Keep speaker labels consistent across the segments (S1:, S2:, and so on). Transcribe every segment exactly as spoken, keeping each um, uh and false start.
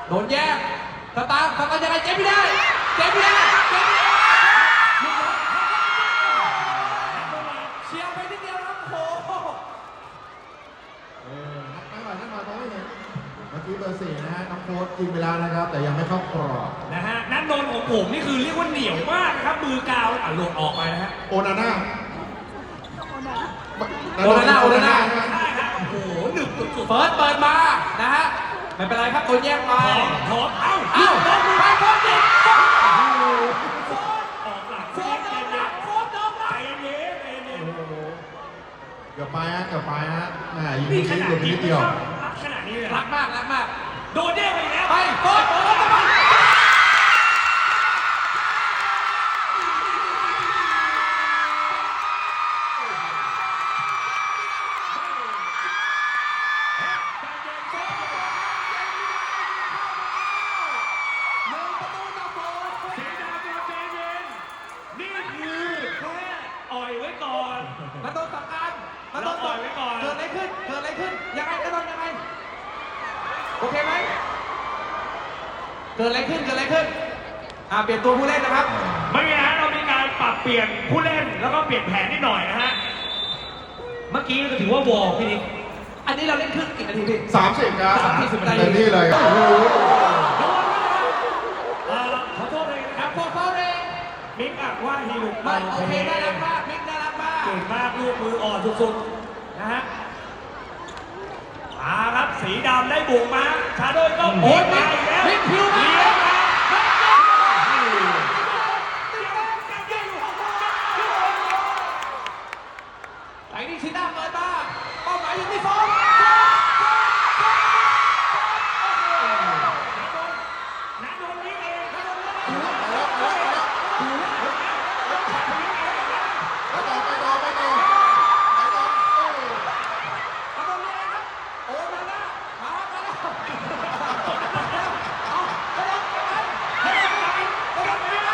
S1: โดนแย่งสตาร์สตาร์ยังไงเจ๊ไม่ได้เจ๊ไม่ได้เจ๊ไม่ได้เชียร์ไปนิดเดียวครับโอ้โห
S2: เออนั่งหน่อยนั่งหน่อยมองไม่เห็นเมื่อกี้เบอร์สี่นะฮะน้องโค้ชยิงไปแล้วนะครับแต่ยังไม่เข้ากรอบ
S3: นะฮะนัดโดนของผมนี่คือเรียกว่าเหนียวมากครับมือกาวอ่ะหลุดออกไปนะฮะ
S2: โอนาน่า
S1: โอนาน่าโอนาน่า
S3: ใช่ครับโอ้โหหนึบสุดๆ
S1: เปิดเปิดมานะฮะไม่เป็นไรครับโดนแย่งไป
S3: ถอดเอ้า
S1: เอ้าไปโค้ชยิง
S3: ออกหลัง
S1: โค้ชโดนหลังโค้ชโดนหลั
S3: ใจ
S1: ง
S3: เย็นใจเย็น
S2: เกือบไปฮะเกือบไปฮะแหมยิง
S3: นี่
S2: นิ
S3: ข
S2: ด
S3: นาด
S2: เดียว
S3: นี้
S2: นิดเดียว
S3: รักขนาดนี้เลย
S1: รักมากรักมาก
S3: โดนแย่งไปแล้ว
S1: ไปโค้ชโค้ชไปมาโดนสังการมาโดนต่อยไว้ก่อนเกิดอะไรขึ้นเกิดอะไรขึ้นยังไงกระโดดยังไงโอเคไหมเกิดอะไรขึ้นเกิดอะไรขึ้นอ่าเปลี่ยนตัวผู้เล่นนะครับ
S3: ไม่มีฮะเรามีการปรับเปลี่ยนผู้เล่นแล้วก็เปลี่ยนแผนนิดหน่อยนะฮะเมื่อกี้ก็ถือว่าวอร์พี่นิก
S1: อันนี้เราเล่นครึ่งกี่นาทีพี่
S2: สามสิบครับ
S1: สามสิบนาที
S2: เต็มที่เลยโอ้โห
S3: ขอโทษเลยนะค
S1: ครั
S3: รั
S1: บบ โค้ชเขาเอง
S3: มิกอ่ะว่าฮีลุก
S1: มันโอเคน่ารักมากมิกน่ารักมาก
S3: เก่งมากลูกมืออ่อนสุดๆนะฮะมาครับสีดำได้บุกมาชาโดยก็
S1: โอ้ย
S3: มา
S1: มิก
S3: อีกแล้ว
S1: มิกพิวมา
S3: เลี้ยงมา
S1: ไอ้นี่ชิน่าเปิดมาเป้าหมายอยู่ที่ฟอง
S3: นัดโดนยิงเองนัดโดนยิงเอง
S2: ไปต่อไปต่อไปต่อไปต่อโอ้
S1: มาตรงนี้ครับโอ้มาแล้วมามาแล้วเอาไปแล้วไปแล้วไปแล้วไปแล้ว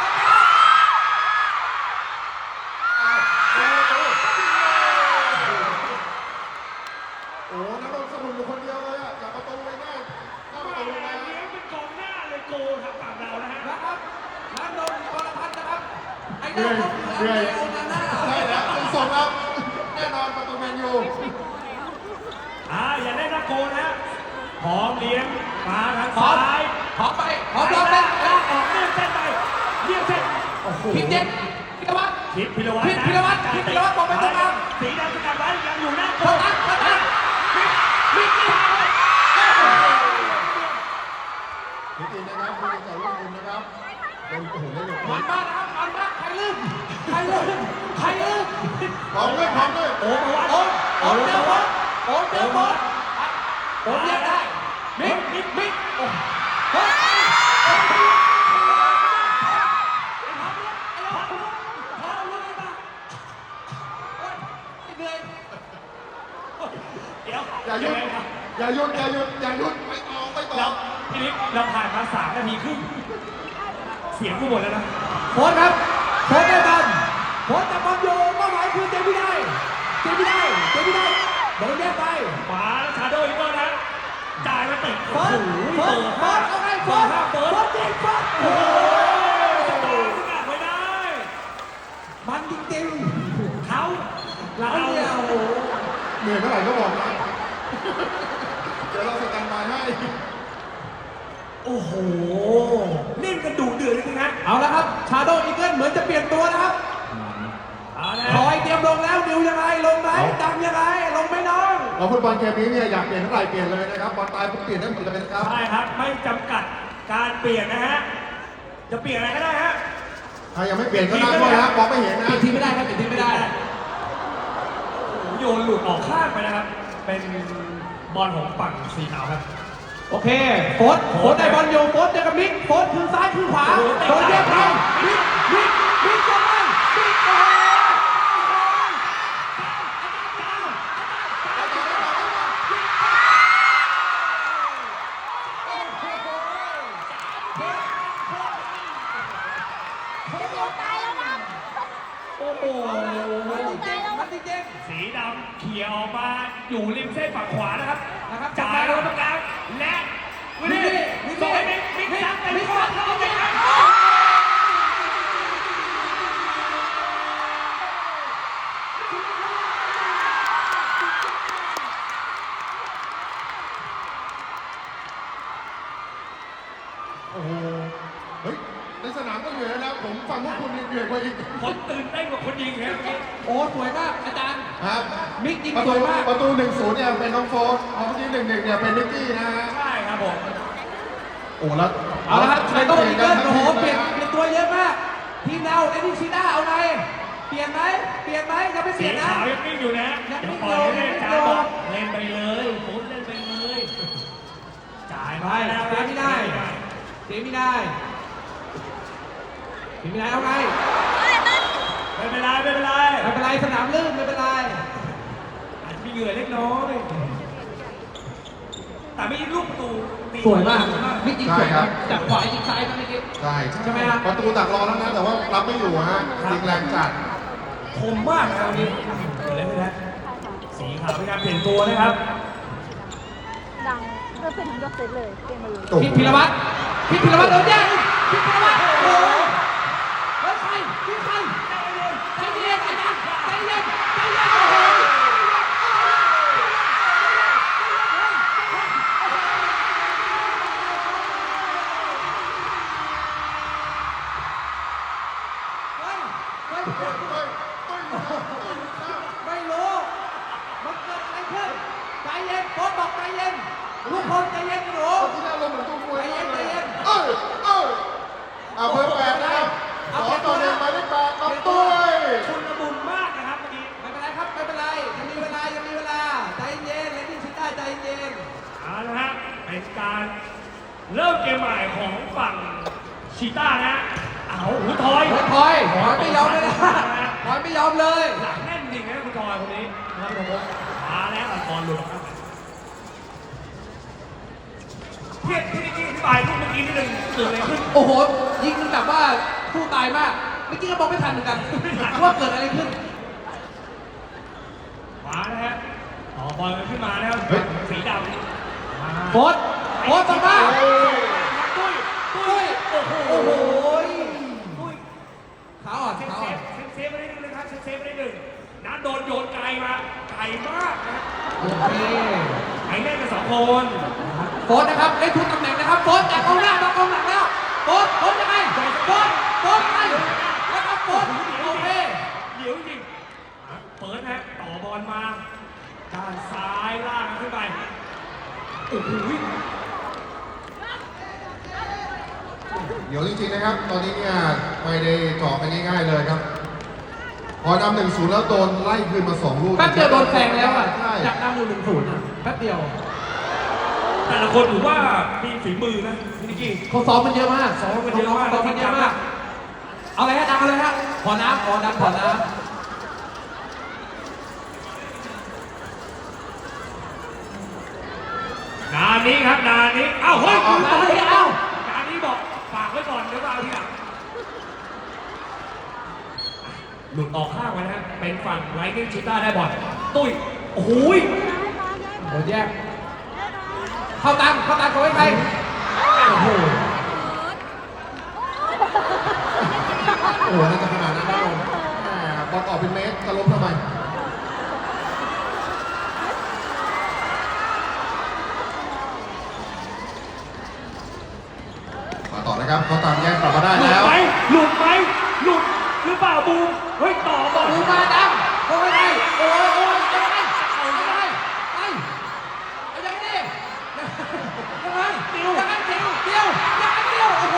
S2: โหนักลงสนุนอยู่คนเดียวเลยอ่ะจากประตูเลยง่ายหน้าประตูเลย
S3: เลี้ยงเป็นกองหน้าเลยโกครับฝั่งเรานะฮะ
S1: นะครับนันโดนกรพัฒน์นะครับไอ้ดาวเขาคืออันเดโอนาน่า
S2: ใช่แล้วเป็นส่งแล้วแน่นอนประตูแมนยู
S3: อ่าอย่าได้นะโกนะพร้อมเลี้ยงมาทาง
S1: ขอ
S3: ซ้าย
S1: ขอไปขอรอบเล่น
S3: ลากออกเลี่ยงเส้นไปเลี่ยงเส้นโอ้โห
S1: พิมเจ็ดพิรวัตร
S3: คิดพิรวัตร
S1: พิพิรวัตรพิพิรวัตรบอกไปตรงกลาง
S3: สีดำสกัดไว้ยังอยู่หน้าโก
S1: โคตัสโคตัสมิกมิกนี่ฮะ
S2: นิตินะครับผู้ต่อร่วมบุญนะครับโอ้โหได้หลุด
S1: มันมากนะครับมันมากใครลืมใครลืมใครลืม
S2: พร้อมด้วยพร้อมด้วย
S3: โอ้โหวัด
S1: โอ้โอ้เจอโคโอ้เจอโคโอ้เรียกได้มิกมิกมิกโอ้เฮ้ยเหนื่อย
S3: เดี๋ยว
S2: อย่าหยุดอย่าหยุดอย่าหยุดอย่าหยุดไปต่อไปต่อ
S3: เราพี่นิกเราผ่านมาสามนาทีครึ่งเสียงกูหมดแล้วนะ
S1: โค้ชครับโค้ชได้บอลโค้ชจับบอลอยู่เป้าหมายคือเจมี่ได้เจมี่ได้เจมี่ได้โดนแยกไป
S3: ขวาชาโดว์อีกแล้วนะจ่ายมาติด
S1: เฟิร์สเฟิร์สเฟิร์สเอาไงเฟิร์สเฟิร์สเฟิร์สจริงเฟิร์สโอ้โห
S3: สตาร์สกัดไว้ได้
S1: มันจริง
S3: เขา
S1: ๆ
S3: เรา
S1: เราเนี่ยโอ้โห
S2: เหนื่อยเมื่อไหร่ก็บอกนะเดี๋ยวเราสแตนบายให้
S3: โอ้โหเล่นกันดุเดือดจริงๆนะ
S1: เอาละครับชาโดว์อีเกิลเหมือนจะเปลี่ยนตัวนะครับ
S3: เอาละ
S1: คอยเตรียมลงแล้วดิวยังไงลงไหมดังยังไงลงไหมน้อง
S2: เราฟุตบอลเกมนี้เนี่ยอยากเปลี่ยนเท่าไหร่เปลี่ยนเลยนะครับบอลตายผมเปลี่ยนได้หมดเลยนะครับ
S3: ใช่ครับไม่จำกัดการเปลี่ยนนะฮะจะเปลี่ยนอะไรก็ได้ฮะ
S2: ใครยังไม่เปลี่ยนก็นั่งด้วยนะมองไม่เห็นนะ
S1: เปลี่ยนทีมไม่ได้ครับเปลี่ยนทีมไม่ได้
S3: โอ้โหโยนหลุดออกข้างไปนะครับเป็นบอลของฝั่งสีขาวครับ
S1: โอเคโฟร์โฟร์ได้บอลอยู่โฟร์เจอกับมิกโฟร์คือซ้ายคือขวาโดนแยกไปมิกมิกมิกยังไงมิกโอ้โอ้โหมันจริงมันจริง
S3: สีดำเขี่ยออกมาอยู่ริมเส้นฝั่งขวานะครับ
S1: นะครับ
S3: จ่ายลงตรงกลางและวินนี่ส่งให้มิกมิกซัดไปมิกซัดเข้าไปครับ
S2: โอ้โห เฮ้ย ในสนามก็เหนื่อยแล้วผมฟังพวกคุณเหนื่อยกว่าอีก
S3: คนตื่นเต้นกว่าคนยิงครับเมื่อกี้
S1: โอ้สวยมากอาจารย์
S2: ครับ
S1: มิกยิง
S2: ประ
S1: ส
S2: ตู
S1: วยมาก
S2: ประตูหนึ่งศูนย์เนี่ยเป็นน้องโฟร์เมื่อกี้หนึ่งหนึ่งเนี่ยเป็นนิกกี้นะฮะ
S3: ใช่ครับผม
S2: โอ้แล้ว
S1: เอาละครับไชโต้อีเกิลโอ้โหเปลี่ยน
S2: ทั้ง
S1: เปลี่ยนตัวเยอะมากทีมเราเอ็ดดี้ชิด้าเอาไงเปลี่ยนไหมเปลี่ยนไหมยังไม่เป
S3: สี
S1: ลี่ยนนะ
S3: ขาวยังนิ่งอยู่นะ
S1: ยัง
S3: เดี๋ยว
S1: นิ่ง
S3: ปล่อยให้
S1: อยู่
S3: จ่ายบอกเล่นไปเลยโค้ชเล่นไปเลยจ่าย
S1: ไป
S3: มาแล้ว
S1: เสียไม่ได้เสียไม่ได้เสียไม่ได้เอาไง
S3: ไม่เป็นไรไม่เป็นไร
S1: ไม่เป็นไรสนามลื่นไม่เป็นไร
S3: อาจจะมีเหงื่อเล็กน้อยแต่ไม่ยิงลูกประตูตี
S1: สวยมากมิกยิงสวยครับจากขวายิงซ้ายครับเมื่อกี้
S2: ใช่
S1: ใช่ไหมฮะ
S2: ประตูตักรอแล้วนะ แต่ว่ารับไม่อยู่ฮะยิงแรงจัด
S3: คมมากนะครับวันนี้เกิดอะไรขึ้นนะสีขาวเป็นการเปลี่ยนตัวนะครับ
S4: ดังเพื่อเป็นทั้งยกเซตเลยเกมมาเลย
S2: โอ้โห
S1: พิพิรวัตรพิพิรวัตรโดนแย่งพิพิรวัตรโอ้โหเฮ้ยใครพี่ใครใจเย็นใจเย็นใจเย็นใจเย็นโอ้โหเฮ้ยเฮ้ย
S2: เฮ้ยเฮ้ยเฮ้ย
S1: ไม่รู้ มันเกิดอะไรขึ้น ใจเย็นโค้ชบอกใจเย็นทุกคนใจเย็นหนู
S2: ที่น่าลงเหมือนตู้มวยมากเลย
S1: ใจเย็น
S2: เอ้ยเอ้ยเอาเบอร์แปดนะครับสองต่อหนึ่งหมายเลขแปดน้องตุ้ย
S3: ชุนละมุนมากนะครับเมื่อกี้
S1: ไม่เป็นไรครับ ไม่เป็นไร ยังมีเวลา ยังมีเวลา ใจเย็นเลดี้ชิต้าใจเย็น
S3: เอาละฮะเป็นการเริ่มเกมใหม่ของฝั่งชีต้านะเอาหูทอย
S1: โอ้ยพลอยพลอยไม่ยอมเลยนะพลอยไม่ยอมเลย
S3: หลังแน่นจริงนะคุณทอยคนนี้นะครับผมมาแล้วอัลบอลหลุดออกมาเพียรพี่นิกกี้อธิบายลูกเมื่อกี้นิดนึงเกิดอะไรขึ้น
S1: โอ้โห ยิงมันแบบว่าสู้ตายมาก เมื่อกี้ก็มองไม่ทันเหมือนกัน ว่าเกิดอะไรขึ้น
S3: มานะฮะต่อบอลกันขึ้นมานะครับสีดำมา
S1: โค้ชโค้ชต่อมา
S3: ตุ้ยตุ้ยโอ้โห
S1: โอ้โห
S3: ตุ้ย
S1: ขาอ่อน
S3: เซฟ
S1: ขา
S3: เซ
S1: อ่อน
S3: ฟเซฟไปได้หนึ่งนะครับเซฟไปได้หนึ่งนัดโดนโยนไกลมาไกลมากนะฮะ
S1: โอเค
S3: ไอ้เล่นกันสองคน
S1: โค้ชนะครับได้ทุกตำแหน่งนะครับโค้ชจากกองหน้ามากองหลังแล้วโค้ชโค้ชยังไงโค้ชโค้ชยังไงแล้วครับโค้ชโอเค
S3: เหลียวจริงเปิดฮะต่อบอลมาด้านซ้ายล่างขึ้นไปโอ้โห
S2: เดี๋ยวจริงๆนะครับ ตอนนี้เนี่ยไม่ได้เจาะกันง่ายๆเลยครับ พอนำหนึ่งศูนย์แล้วโดนไล่คืนมาสองลูก
S1: แป๊บเดียวโดนแซงแล้วอ่ะ
S2: ใช่
S1: จากนำอยู่หนึ่งศูนย์อะแป๊บเดียว
S3: แต่ละคนถือว่ามีฝีมือนะพี่นิกกี้
S1: เขาซ้อมมันเยอะมาก
S3: ซ้อมกันเยอะมาก
S1: ซ้อมมันเยอะมาก เอาอะไรฮะดังเอาเลยฮะ ขอน้ำขอน้ำขอน้ำ
S3: งานนี้ครับงานนี้เอ้าเฮ้ย
S1: เอาเอาเอาเอา
S3: งานนี้บอกฝากไว้ก่อนเดี๋ยวมาเอาทีหลังหลุดออกข้างไปนะฮะเป็นฝั่งไลท์นิ่งชิต้าได้บอลตุ้ยโอ้โห
S1: โดนแยก เข้าตังเข้าตังเขาไว้ใครโอ้โห
S2: โอ้โหน่าจะขนาดนั้นได้ลงแหมบอลออกเป็นเมตรจะล้มทำไม มาต่อนะครับเขาตามแยกกลับมาได้
S3: หลุด
S2: แล้ว
S3: ไหมหลุดไหมหลุดหรือเปล่าบูมเฮ้ยต่อบอล
S1: ดูมาดังเขาไว้ใครโอ้ยโอ้ยยังไงยังไงไปเอายังไงดิยังไงเดียวยังไงเดียวเดียวยังไงเดียวโอ้โห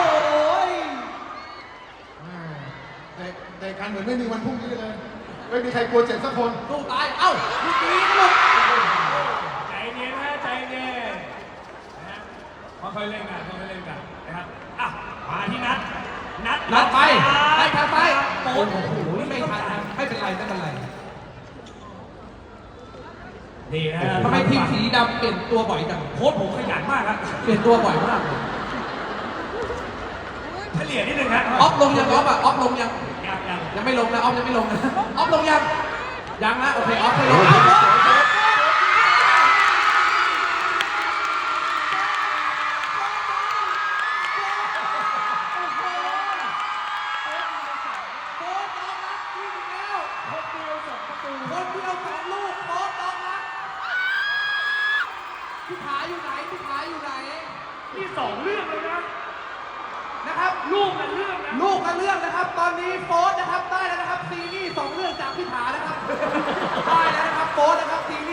S2: แต่แต่การเหมือนไม่มีวันพรุ่งนี้เลย ไม่มีใครกลัวเจ็บสักคน
S1: สู้ตาย เอ้าลูกนี้ก็หลุด
S3: ใจเย็นนะใจเย็นนะฮะค่อยๆเล่นกันค่อยๆเล่นกันนะครับอ่ะมาที่นัดนัด
S1: นัดไปให้ทางไป
S3: โอ้
S1: โอ้
S3: โห
S1: โหไม่ทันนะไม่เป็นไรไม่เป็นไร
S3: นี่นะ
S1: ทำไมทีมสีดำเปลี่ยนตัวบ่อยจัง
S3: โค้ชผมขยันมากครับ
S1: เปลี่ยนตัวบ่อยมาก
S3: เฉลี่ยนิดนึงครับ
S1: ออฟลงยังออฟอ่ะออฟลงยัง
S3: ยังยัง
S1: ยังไม่ลงนะออฟยังไม่ลงนะออฟลงยังยังนะโอเคออฟไม่ลงเอาโค้ชโค้พี่ขาอยู่ไหนพี่ขาอยู่ไหน
S3: นี่สองเรื่องเลยนะ
S1: นะครับ
S3: ลูกกันเรื่องนะ
S1: ลูกละเรื่องนะครับ ตอนนี้โฟสนะครับได้แล้วนะครับซีรีส์สองเรื่องจากพี่ถานะครับ ได้แล้วนะครับโฟสนะครับซีรี